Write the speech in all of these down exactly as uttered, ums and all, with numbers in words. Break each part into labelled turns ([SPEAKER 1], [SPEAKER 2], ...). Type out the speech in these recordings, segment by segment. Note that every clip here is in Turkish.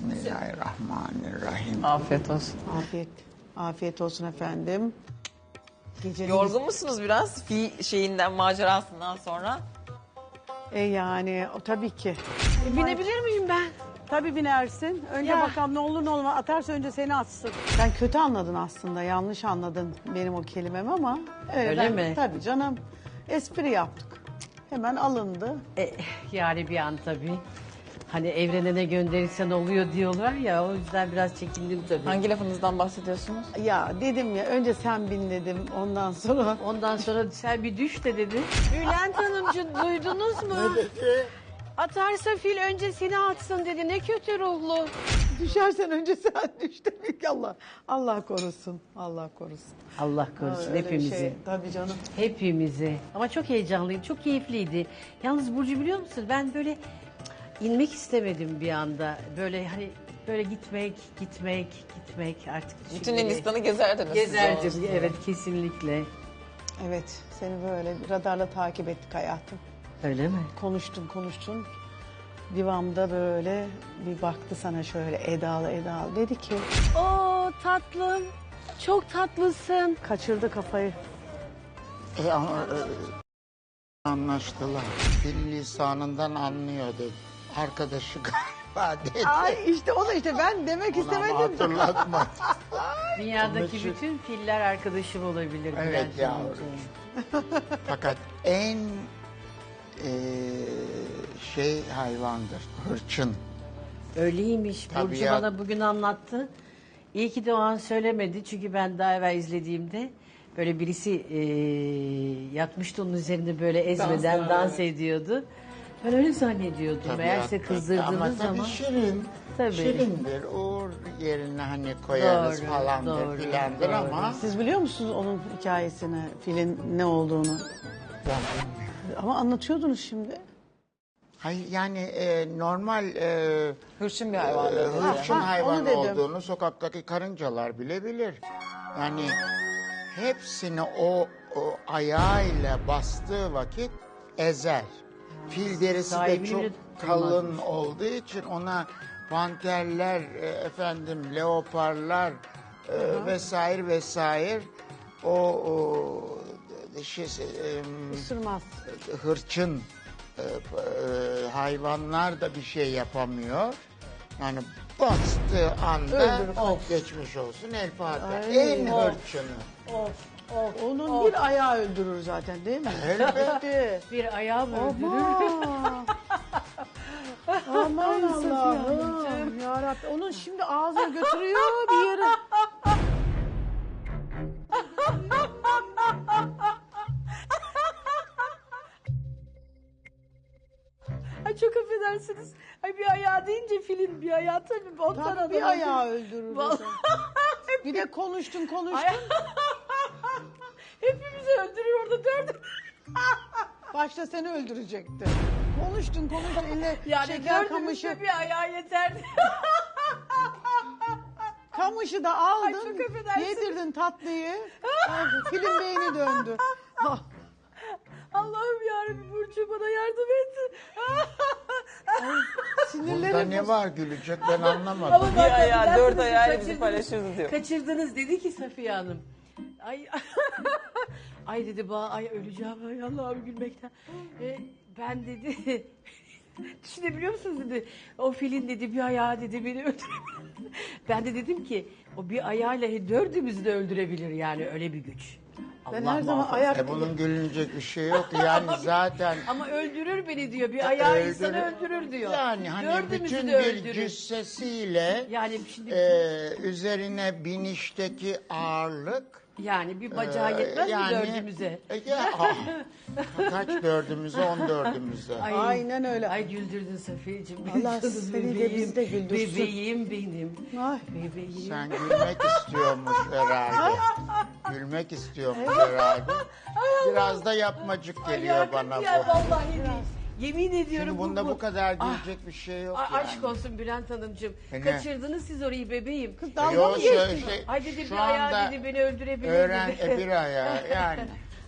[SPEAKER 1] Bismillahirrahmanirrahim.
[SPEAKER 2] Afiyet olsun.
[SPEAKER 3] Afiyet. Afiyet olsun efendim. Gecenin
[SPEAKER 2] Yorgun musunuz biraz fi şeyinden, macerasından sonra?
[SPEAKER 3] E yani o tabii ki.
[SPEAKER 4] E, binebilir miyim ben?
[SPEAKER 3] Tabii binersin. Önce
[SPEAKER 4] Ya.
[SPEAKER 3] bakalım ne olur ne olmaz. Atarsa önce seni atsın. Sen kötü anladın aslında. Yanlış anladın benim o kelimem ama. Evet,
[SPEAKER 4] Öyle
[SPEAKER 3] ben-
[SPEAKER 4] mi?
[SPEAKER 3] Tabii canım. Espri yaptık. Hemen alındı.
[SPEAKER 4] E, yani bir an tabii. Hani evrene ne gönderirsen oluyor diyorlar ya, o yüzden biraz çekindim tabii.
[SPEAKER 2] Hangi lafınızdan bahsediyorsunuz?
[SPEAKER 3] Ya dedim ya önce sen bin dedim. Ondan sonra
[SPEAKER 4] Ondan sonra sen bir düş de dedi.
[SPEAKER 5] Bülent Hanımcığım duydunuz mu? Atarsa fil önce seni atsın dedi. Ne kötü ruhlu.
[SPEAKER 3] düşersen önce sen düş demek ki Allah. Allah korusun. Allah korusun.
[SPEAKER 4] Allah korusun
[SPEAKER 3] Öyle bir
[SPEAKER 4] hepimizi.
[SPEAKER 3] şey, tabii canım.
[SPEAKER 4] Hepimizi. Ama çok heyecanlıyım, çok keyifliydi. Yalnız Burcu biliyor musun, ben böyle cık, inmek istemedim bir anda. Böyle hani böyle gitmek, gitmek, gitmek artık.
[SPEAKER 2] Bütün
[SPEAKER 4] şimdi
[SPEAKER 2] Hindistan'ı gezerdiniz. siz
[SPEAKER 4] gezerdim.
[SPEAKER 2] olsun.
[SPEAKER 4] Evet, kesinlikle.
[SPEAKER 3] Evet seni böyle radarla takip ettik hayatım.
[SPEAKER 4] Öyle mi?
[SPEAKER 3] Konuştun konuştun. Divamda böyle bir baktı sana şöyle edalı edalı. Dedi ki
[SPEAKER 5] Oo tatlım. Çok tatlısın.
[SPEAKER 3] kaçırdı kafayı.
[SPEAKER 1] E, ama, e, anlaştılar. Fil lisanından anlıyor dedi. Arkadaşı galiba dedi.
[SPEAKER 3] Ay işte o da işte ben demek
[SPEAKER 1] Ona ama
[SPEAKER 3] istemedim.
[SPEAKER 1] hatırlatma.
[SPEAKER 4] Dünyadaki
[SPEAKER 1] Onun için-
[SPEAKER 4] bütün filler arkadaşım olabilir.
[SPEAKER 1] Evet
[SPEAKER 4] Bülent
[SPEAKER 1] yavrum.
[SPEAKER 4] Hanımcığım.
[SPEAKER 1] Fakat en e, şey hayvandır. Hırçın.
[SPEAKER 4] Öyleymiş.
[SPEAKER 1] Tabii
[SPEAKER 4] Burcu
[SPEAKER 1] ya.
[SPEAKER 4] bana bugün anlattı. İyi ki de o an söylemedi. Çünkü ben daha evvel izlediğimde böyle birisi e, yatmıştı onun üzerinde böyle ezmeden
[SPEAKER 2] Dans,
[SPEAKER 4] dans,
[SPEAKER 2] evet.
[SPEAKER 4] ediyordu. Ben öyle zannediyordum. Meğerse
[SPEAKER 1] Tabiatta.
[SPEAKER 4] kızdırdığınız
[SPEAKER 1] Ama
[SPEAKER 4] zaman.
[SPEAKER 1] tabii şirin.
[SPEAKER 4] Tabii.
[SPEAKER 1] Şirindir. Uğur yerine hani koyarız
[SPEAKER 4] Doğru,
[SPEAKER 1] falandır
[SPEAKER 4] doğru,
[SPEAKER 1] filandır
[SPEAKER 4] doğru.
[SPEAKER 1] ama
[SPEAKER 3] Siz biliyor musunuz onun hikayesini, filin ne olduğunu?
[SPEAKER 1] ben bilmiyorum.
[SPEAKER 3] Ama anlatıyordunuz şimdi.
[SPEAKER 1] Hayır yani e, normal e,
[SPEAKER 2] Hırçın bir hayvan
[SPEAKER 1] e,
[SPEAKER 2] dedi.
[SPEAKER 1] hırçın
[SPEAKER 3] Ha, ha,
[SPEAKER 1] hayvan
[SPEAKER 3] onu dedim.
[SPEAKER 1] olduğunu sokaktaki karıncalar bile bilir. Yani hepsini o, o ayağıyla bastığı vakit ezer. Fil derisi de
[SPEAKER 4] Sahibini
[SPEAKER 1] çok
[SPEAKER 4] bile
[SPEAKER 1] kalın
[SPEAKER 4] tutmazmış.
[SPEAKER 1] olduğu için ona panterler, e, efendim leoparlar e, vesaire vesaire o, o şey, e,
[SPEAKER 3] Isırmaz.
[SPEAKER 1] hırçın e, e, hayvanlar da bir şey yapamıyor. Yani bastığı anda
[SPEAKER 3] Öldürür.
[SPEAKER 1] of geçmiş olsun El Fatiha.
[SPEAKER 3] Ay,
[SPEAKER 1] En
[SPEAKER 3] of.
[SPEAKER 1] hırçını.
[SPEAKER 3] Onun bir ayağı öldürür zaten değil mi?
[SPEAKER 1] Elbette.
[SPEAKER 4] Bir ayağım öldürür.
[SPEAKER 3] Aman. Aman Allah'ım. Yarabbim. Onun şimdi ağzına götürüyor bir yere.
[SPEAKER 5] Ay çok affedersiniz. Ay bir ayağı deyince filin bir ayağı tabii. Ondan
[SPEAKER 3] Tabii
[SPEAKER 5] adamın-
[SPEAKER 3] bir ayağı öldürür.
[SPEAKER 5] Vallahi-
[SPEAKER 3] zaten. Bir de konuştun konuştun.
[SPEAKER 5] Ay- Hepimizi öldürür orada dördü.
[SPEAKER 3] Başta seni öldürecekti. Konuştun konuştun. Eline
[SPEAKER 5] Yani
[SPEAKER 3] şeker kamışı.
[SPEAKER 5] dördümüzde bir ayağı yeterdi.
[SPEAKER 3] Kamışı da aldın.
[SPEAKER 5] Ay, çok affedersin.
[SPEAKER 3] Yedirdin tatlıyı. Film beyni döndü. Ah,
[SPEAKER 5] Allah'ım yarabbim Burcu bana yardım et.
[SPEAKER 1] Burada
[SPEAKER 3] sinirlerim
[SPEAKER 1] ne var gülecek ben anlamadım.
[SPEAKER 4] Ama
[SPEAKER 2] Bir
[SPEAKER 4] bak,
[SPEAKER 2] ayağı,
[SPEAKER 4] Bülent
[SPEAKER 2] dört
[SPEAKER 4] Hanım,
[SPEAKER 2] ayağıyla bizi
[SPEAKER 4] kaçırdınız.
[SPEAKER 2] paylaşırız diyor.
[SPEAKER 4] Kaçırdınız dedi ki Safiye Hanım. Ay ay dedi ba ay öleceğim ay Allah'ım gülmekten. E, ben dedi düşünebiliyor musunuz dedi. O filin dedi bir ayağı dedi beni öldürebilir. Ben de dedim ki o bir ayağıyla dördümüzü de öldürebilir yani öyle bir güç.
[SPEAKER 3] Ben
[SPEAKER 4] Allah
[SPEAKER 3] her zaman
[SPEAKER 4] muhafaza.
[SPEAKER 3] ayak
[SPEAKER 1] E bunun gülünecek bir şey yok yani zaten.
[SPEAKER 4] Ama öldürür beni diyor. Bir ayağı
[SPEAKER 1] Öldürür.
[SPEAKER 4] insanı öldürür diyor.
[SPEAKER 1] Yani hani
[SPEAKER 4] Dördümüzü
[SPEAKER 1] bütün
[SPEAKER 4] de
[SPEAKER 1] bir
[SPEAKER 4] öldürür.
[SPEAKER 1] cüssesiyle
[SPEAKER 4] Yani şimdi
[SPEAKER 1] e, üzerine binişteki ağırlık
[SPEAKER 4] yani bir bacağı yetmez
[SPEAKER 1] e,
[SPEAKER 4] mi dördümüze?
[SPEAKER 1] E, ya, ah, kaç dördümüze on dördümüze.
[SPEAKER 4] Ay,
[SPEAKER 3] Aynen öyle.
[SPEAKER 4] Ay güldürdün Safiyeciğim.
[SPEAKER 3] Allah
[SPEAKER 4] Canım
[SPEAKER 3] seni de
[SPEAKER 4] bebeğim,
[SPEAKER 3] bizi de güldürsün.
[SPEAKER 4] Bebeğim benim.
[SPEAKER 3] Ay.
[SPEAKER 4] Bebeğim.
[SPEAKER 1] Sen gülmek istiyormuş herhalde. Gülmek istiyormuş herhalde. Biraz da yapmacık geliyor
[SPEAKER 4] Ay,
[SPEAKER 1] bana
[SPEAKER 4] ya,
[SPEAKER 1] bu.
[SPEAKER 4] vallahi değil. Yemin ediyorum
[SPEAKER 1] Şimdi bunda
[SPEAKER 4] bu,
[SPEAKER 1] bu kadar gülecek bir şey yok
[SPEAKER 4] Ay,
[SPEAKER 1] yani.
[SPEAKER 4] aşk olsun Bülent Hanımcığım.
[SPEAKER 1] E ne?
[SPEAKER 4] Kaçırdınız siz orayı bebeğim.
[SPEAKER 3] Dalga
[SPEAKER 1] Yo,
[SPEAKER 3] mı
[SPEAKER 1] şöyle
[SPEAKER 3] geçtin?
[SPEAKER 1] şey,
[SPEAKER 4] Ay dedi
[SPEAKER 1] şu
[SPEAKER 4] bir ayağı
[SPEAKER 1] anda
[SPEAKER 4] dedi beni öldürebilir
[SPEAKER 1] öğren
[SPEAKER 4] dedi.
[SPEAKER 1] e, bir ayağı yani.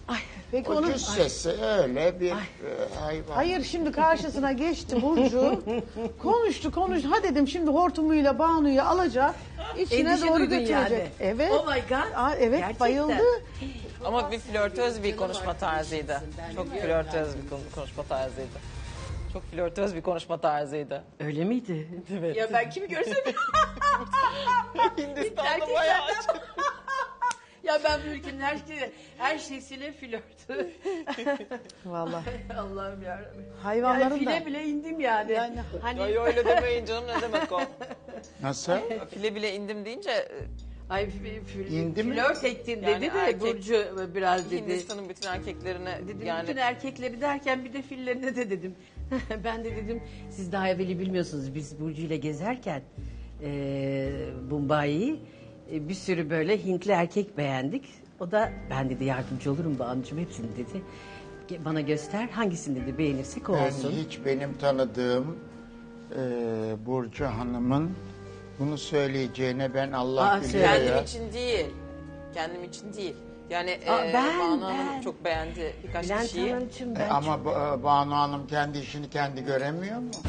[SPEAKER 3] Peki
[SPEAKER 1] O
[SPEAKER 3] onun
[SPEAKER 1] cüssesi öyle bir e, hayvan.
[SPEAKER 3] hayır şimdi karşısına geçti Burcu. konuştu konuştu. Ha dedim şimdi hortumuyla Banu'yu alacak. içine
[SPEAKER 4] Endişe
[SPEAKER 3] doğru
[SPEAKER 4] duydun
[SPEAKER 3] götürecek.
[SPEAKER 4] yani.
[SPEAKER 3] Evet.
[SPEAKER 4] Oh my God.
[SPEAKER 3] Aa, evet
[SPEAKER 4] Gerçekten.
[SPEAKER 3] bayıldı.
[SPEAKER 2] Ama bir flörtöz bir konuşma tarzıydı. Çok flörtöz bir kon- konuşma tarzıydı. Çok flörtöz bir konuşma tarzıydı.
[SPEAKER 4] Öyle miydi?
[SPEAKER 2] Evet.
[SPEAKER 4] Ya ben kimi görsem...
[SPEAKER 2] Hindistan'da
[SPEAKER 4] Erkeklerden-
[SPEAKER 2] bayağı
[SPEAKER 4] Ya ben bu ülkenin her, şey, her şeysine flört.
[SPEAKER 3] Vallahi.
[SPEAKER 4] Allah'ım yarabbim.
[SPEAKER 3] Hayvanların
[SPEAKER 4] yani file
[SPEAKER 3] da.
[SPEAKER 4] bile indim yani.
[SPEAKER 3] Yani-
[SPEAKER 4] Hani
[SPEAKER 2] Ay öyle demeyin canım, ne demek o?
[SPEAKER 1] Nasıl?
[SPEAKER 2] File bile indim deyince e,
[SPEAKER 4] ay f- f-
[SPEAKER 1] İndi mi?
[SPEAKER 4] flört ettin
[SPEAKER 2] Yani
[SPEAKER 4] dedi de
[SPEAKER 2] erkek-
[SPEAKER 4] Burcu biraz dedi.
[SPEAKER 2] Hindistan'ın bütün erkeklerine
[SPEAKER 4] Dedim
[SPEAKER 2] yani
[SPEAKER 4] bütün erkekleri derken bir de fillerine de dedim. Ben de dedim siz daha evveli bilmiyorsunuz biz Burcu ile gezerken e, Mumbai'yi e, bir sürü böyle Hintli erkek beğendik. O da ben dedi yardımcı olurum Banu'cum hepsini dedi. Ge- Bana göster hangisini dedi beğenirsek o
[SPEAKER 1] Ben
[SPEAKER 4] olsun.
[SPEAKER 1] hiç benim tanıdığım e, Burcu Hanım'ın bunu söyleyeceğine ben Allah
[SPEAKER 4] Aa,
[SPEAKER 1] biliyor
[SPEAKER 4] söyle.
[SPEAKER 2] kendim
[SPEAKER 1] ya.
[SPEAKER 2] için değil. Kendim için değil. Yani
[SPEAKER 4] Aa,
[SPEAKER 2] e,
[SPEAKER 4] ben,
[SPEAKER 2] Banu Hanım
[SPEAKER 4] ben.
[SPEAKER 2] çok beğendi birkaç
[SPEAKER 4] Bülent
[SPEAKER 2] kişiyi.
[SPEAKER 4] Hanımcığım
[SPEAKER 1] E,
[SPEAKER 4] ben
[SPEAKER 1] ama
[SPEAKER 4] çok-
[SPEAKER 1] Ba- Banu Hanım kendi işini kendi göremiyor mu?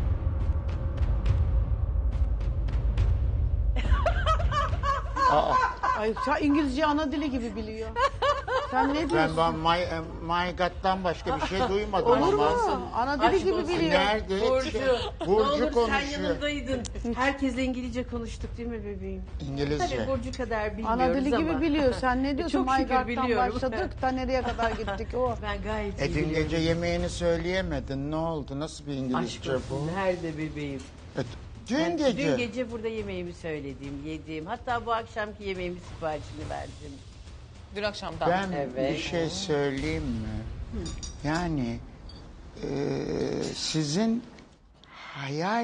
[SPEAKER 1] Aa,
[SPEAKER 3] Ay sen İngilizce ana dili gibi biliyor. Sen ne
[SPEAKER 1] ben,
[SPEAKER 3] diyorsun?
[SPEAKER 1] ben my, e, my God'dan başka bir şey duymadım
[SPEAKER 3] Olur mu?
[SPEAKER 1] ama.
[SPEAKER 3] Ana dili
[SPEAKER 4] Aşk
[SPEAKER 3] gibi
[SPEAKER 4] olsun.
[SPEAKER 3] biliyor.
[SPEAKER 1] Nerede?
[SPEAKER 4] Burcu, ne
[SPEAKER 1] Burcu
[SPEAKER 4] olur sen
[SPEAKER 1] konuşuyor.
[SPEAKER 4] yanındaydın. Herkesle İngilizce konuştuk değil mi bebeğim?
[SPEAKER 1] İngilizce.
[SPEAKER 4] Tabii Burcu kadar bilmiyoruz
[SPEAKER 3] Ana dili
[SPEAKER 4] ama.
[SPEAKER 3] gibi biliyor. Sen ne diyorsun?
[SPEAKER 4] Çok şükür
[SPEAKER 3] Maygart'tan
[SPEAKER 4] biliyorum.
[SPEAKER 3] başladık da nereye kadar gittik o.
[SPEAKER 4] Ben gayet iyi
[SPEAKER 1] E dün
[SPEAKER 4] biliyorum.
[SPEAKER 1] gece yemeğini söyleyemedin. Ne oldu? Nasıl bir
[SPEAKER 4] Aşk
[SPEAKER 1] İngilizce
[SPEAKER 4] olsun.
[SPEAKER 1] bu?
[SPEAKER 4] Nerede bebeğim?
[SPEAKER 1] E, dün
[SPEAKER 4] Ben
[SPEAKER 1] gece.
[SPEAKER 4] Dün gece burada yemeğimi söyledim, yediğim. Hatta bu akşamki yemeğimin siparişini verdim.
[SPEAKER 2] Dün akşamdan.
[SPEAKER 1] Ben
[SPEAKER 4] Evet.
[SPEAKER 1] bir şey söyleyeyim mi? Yani e, sizin hayal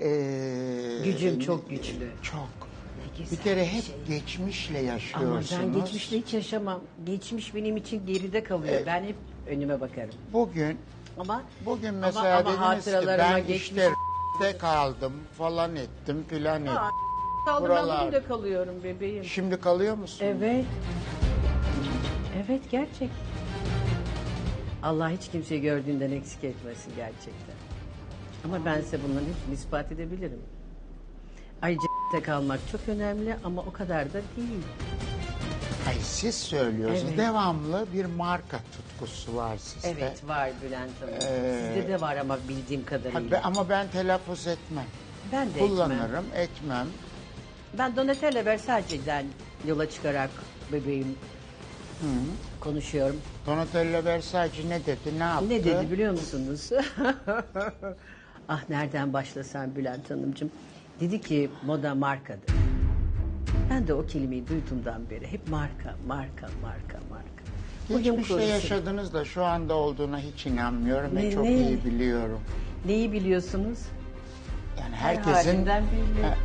[SPEAKER 1] e,
[SPEAKER 4] Gücüm çok güçlü.
[SPEAKER 1] Çok.
[SPEAKER 4] Ne güzel
[SPEAKER 1] Bir kere hep
[SPEAKER 4] şey.
[SPEAKER 1] geçmişle
[SPEAKER 4] Ama
[SPEAKER 1] yaşıyorsunuz.
[SPEAKER 4] ben geçmişle hiç yaşamam. Geçmiş benim için geride kalıyor. Ben hep önüme bakarım.
[SPEAKER 1] Bugün
[SPEAKER 4] Ama
[SPEAKER 1] bugün
[SPEAKER 4] ama-
[SPEAKER 1] mesela
[SPEAKER 4] ama
[SPEAKER 1] dediniz ki
[SPEAKER 4] hatıralarıma
[SPEAKER 1] ben
[SPEAKER 4] geçmiş-
[SPEAKER 1] işte de kaldım falan ettim filan ettim.
[SPEAKER 4] Aa, kaldım ben
[SPEAKER 1] Buralar.
[SPEAKER 4] bugün de kalıyorum bebeğim.
[SPEAKER 1] Şimdi kalıyor musun?
[SPEAKER 4] Evet. Evet gerçek. Allah hiç kimseyi gördüğünden eksik etmesin gerçekten. Ama ben size bunların hepsini ispat edebilirim. Ayrıca de kalmak çok önemli ama o kadar da değil.
[SPEAKER 1] Ay siz söylüyorsunuz.
[SPEAKER 4] Evet.
[SPEAKER 1] Devamlı bir marka tutkusu var sizde.
[SPEAKER 4] Evet var Bülent Hanım.
[SPEAKER 1] Ee,
[SPEAKER 4] Sizde de var ama bildiğim
[SPEAKER 1] Ha,
[SPEAKER 4] kadarıyla.
[SPEAKER 1] be- ama ben telaffuz etmem.
[SPEAKER 4] ben de etmem.
[SPEAKER 1] Kullanırım, etmem.
[SPEAKER 4] Ben Donatella Versace'den yola çıkarak bebeğim konuşuyorum.
[SPEAKER 1] Donatella Versace ne dedi, ne yaptı?
[SPEAKER 4] Ne dedi biliyor musunuz? Ah nereden başlasam Bülent Hanımcığım. Dedi ki moda markadır. Ben de o kelimeyi duyduğumdan beri hep marka, marka, marka, marka. Bugün
[SPEAKER 1] Geçmişte
[SPEAKER 4] korusun.
[SPEAKER 1] yaşadınız da şu anda olduğuna hiç inanmıyorum ve
[SPEAKER 4] Ne-
[SPEAKER 1] çok
[SPEAKER 4] ne?
[SPEAKER 1] iyi biliyorum.
[SPEAKER 4] Neyi biliyorsunuz?
[SPEAKER 1] Yani
[SPEAKER 4] Her
[SPEAKER 1] herkesin
[SPEAKER 4] halinden belli.
[SPEAKER 1] Ha,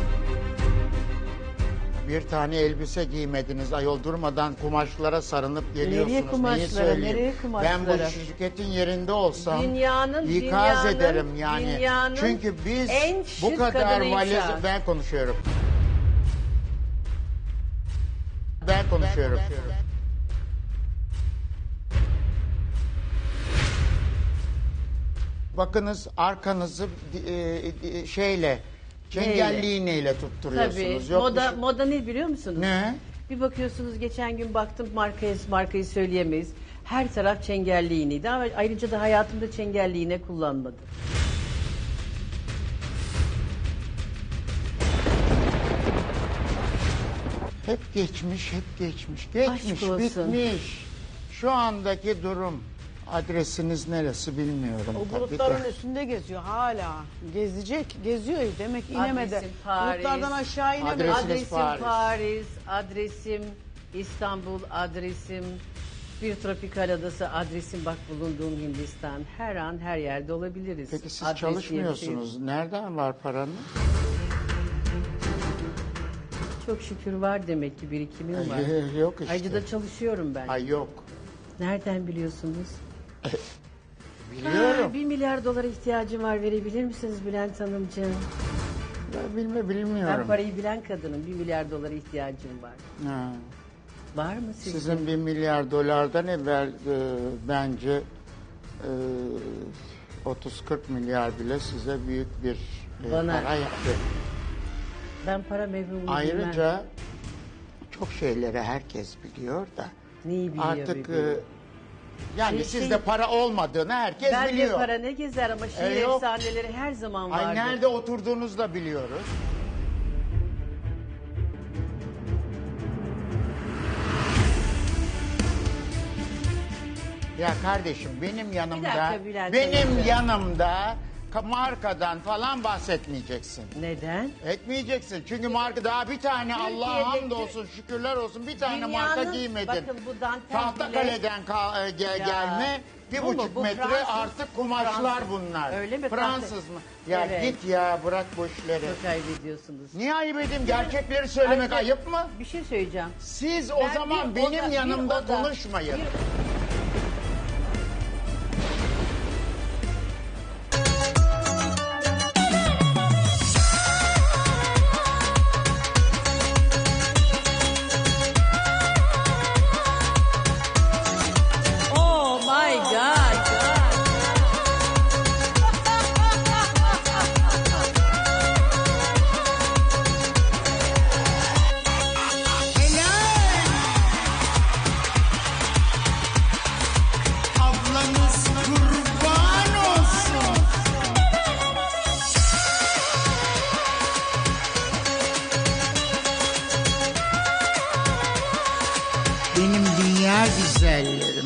[SPEAKER 1] bir tane elbise giymediniz. Ayol durmadan kumaşlara sarınıp geliyorsunuz.
[SPEAKER 4] Nereye
[SPEAKER 1] Neyi
[SPEAKER 4] kumaşlara,
[SPEAKER 1] söyleyeyim?
[SPEAKER 4] nereye kumaşlara?
[SPEAKER 1] Ben bu şirketin yerinde olsam
[SPEAKER 4] Dünyanın-
[SPEAKER 1] ikaz
[SPEAKER 4] dünyanın-
[SPEAKER 1] ederim yani.
[SPEAKER 4] dünyanın
[SPEAKER 1] Çünkü biz
[SPEAKER 4] en
[SPEAKER 1] bu
[SPEAKER 4] şık
[SPEAKER 1] kadar
[SPEAKER 4] kadını
[SPEAKER 1] valiz...
[SPEAKER 4] inşaat.
[SPEAKER 1] Ben konuşuyorum. Ben konuşuyorum. Bakınız arkanızı e, e, şeyle çengelli iğneyle
[SPEAKER 4] Tabii.
[SPEAKER 1] tutturuyorsunuz. Yok bir
[SPEAKER 4] Moda,
[SPEAKER 1] şey-
[SPEAKER 4] moda ne biliyor musunuz?
[SPEAKER 1] Ne?
[SPEAKER 4] Bir bakıyorsunuz geçen gün baktım markayı, markayı söyleyemeyiz. Her taraf çengelli iğneydi ama ayrıca da hayatımda çengelli iğne kullanmadım.
[SPEAKER 1] Hep geçmiş, hep geçmiş. Geçmiş,
[SPEAKER 4] olsun.
[SPEAKER 1] bitmiş. Şu andaki durum. Adresiniz neresi bilmiyorum
[SPEAKER 3] O
[SPEAKER 1] tabii
[SPEAKER 3] bulutların
[SPEAKER 1] de.
[SPEAKER 3] üstünde geziyor hala. Gezecek, geziyor demek inemedi.
[SPEAKER 4] Adresim Paris.
[SPEAKER 3] Bulutlardan aşağı inemedi.
[SPEAKER 1] Adres-
[SPEAKER 4] Adresim
[SPEAKER 1] Paris.
[SPEAKER 4] Paris. adresim İstanbul, adresim bir tropikal adası, adresim bak bulunduğum Hindistan. Her an her yerde olabiliriz.
[SPEAKER 1] Peki siz
[SPEAKER 4] Adres diye bir şey yok.
[SPEAKER 1] çalışmıyorsunuz. Nereden var paranız?
[SPEAKER 4] Çok şükür var demek ki birikimim var.
[SPEAKER 1] Ay, yok işte.
[SPEAKER 4] Ayrıca da çalışıyorum ben.
[SPEAKER 1] Ay yok.
[SPEAKER 4] Nereden biliyorsunuz?
[SPEAKER 1] Biliyorum.
[SPEAKER 4] Aa, bir milyar dolara ihtiyacım var verebilir misiniz Bülent Hanımcığım?
[SPEAKER 1] Ben bilme
[SPEAKER 4] Ben
[SPEAKER 1] bilmiyorum.
[SPEAKER 4] parayı bilen kadınım. Bir milyar dolara ihtiyacım var.
[SPEAKER 1] Ha.
[SPEAKER 4] Var mı sizin?
[SPEAKER 1] Sizin bir milyar dolardan evvel e, bence e, otuz kırk milyar bile size büyük bir e,
[SPEAKER 4] Bana.
[SPEAKER 1] para yaptı.
[SPEAKER 4] Ben para mevhumunu bilmem.
[SPEAKER 1] Ayrıca çok şeyleri herkes biliyor da
[SPEAKER 4] Neyi biliyor
[SPEAKER 1] artık e,
[SPEAKER 4] biliyor.
[SPEAKER 1] yani
[SPEAKER 4] Şey-
[SPEAKER 1] sizde
[SPEAKER 4] şey-
[SPEAKER 1] para olmadığını herkes
[SPEAKER 4] Bende
[SPEAKER 1] biliyor.
[SPEAKER 4] para ne gezer ama şiir
[SPEAKER 1] E, yok.
[SPEAKER 4] efsaneleri her zaman vardır.
[SPEAKER 1] Ay nerede oturduğunuzu da biliyoruz. Ya kardeşim benim yanımda,
[SPEAKER 4] dakika Bülent
[SPEAKER 1] benim
[SPEAKER 4] Hanım.
[SPEAKER 1] yanımda ka- markadan falan bahsetmeyeceksin.
[SPEAKER 4] Neden?
[SPEAKER 1] Etmeyeceksin. Çünkü marka daha bir tane Allah'a
[SPEAKER 4] Türkiye'deki-
[SPEAKER 1] hamdolsun şükürler olsun bir tane
[SPEAKER 4] Dünyanın-
[SPEAKER 1] marka giymedin.
[SPEAKER 4] bakın bu dantel
[SPEAKER 1] Tahtakale'den ka- e, ge-
[SPEAKER 4] Ya,
[SPEAKER 1] gelme bir
[SPEAKER 4] bu mu?
[SPEAKER 1] buçuk
[SPEAKER 4] Bu
[SPEAKER 1] metre
[SPEAKER 4] Fransız.
[SPEAKER 1] artık kumaşlar
[SPEAKER 4] Fransız.
[SPEAKER 1] bunlar.
[SPEAKER 4] Öyle mi?
[SPEAKER 1] Fransız mı? Ya
[SPEAKER 4] Evet.
[SPEAKER 1] git ya bırak bu işleri.
[SPEAKER 4] Çok ayıp ediyorsunuz.
[SPEAKER 1] Niye ayıp edeyim? Gerçekleri söylemek
[SPEAKER 4] Ayrıca
[SPEAKER 1] ayıp mı?
[SPEAKER 4] Bir şey söyleyeceğim.
[SPEAKER 1] Siz o
[SPEAKER 4] Ben
[SPEAKER 1] zaman
[SPEAKER 4] bir
[SPEAKER 1] benim
[SPEAKER 4] oda- bir
[SPEAKER 1] yanımda
[SPEAKER 4] oda-
[SPEAKER 1] konuşmayın.
[SPEAKER 4] bir- Oh my God.
[SPEAKER 1] Ablanız kurban olsun. Benim dünya güzelleri.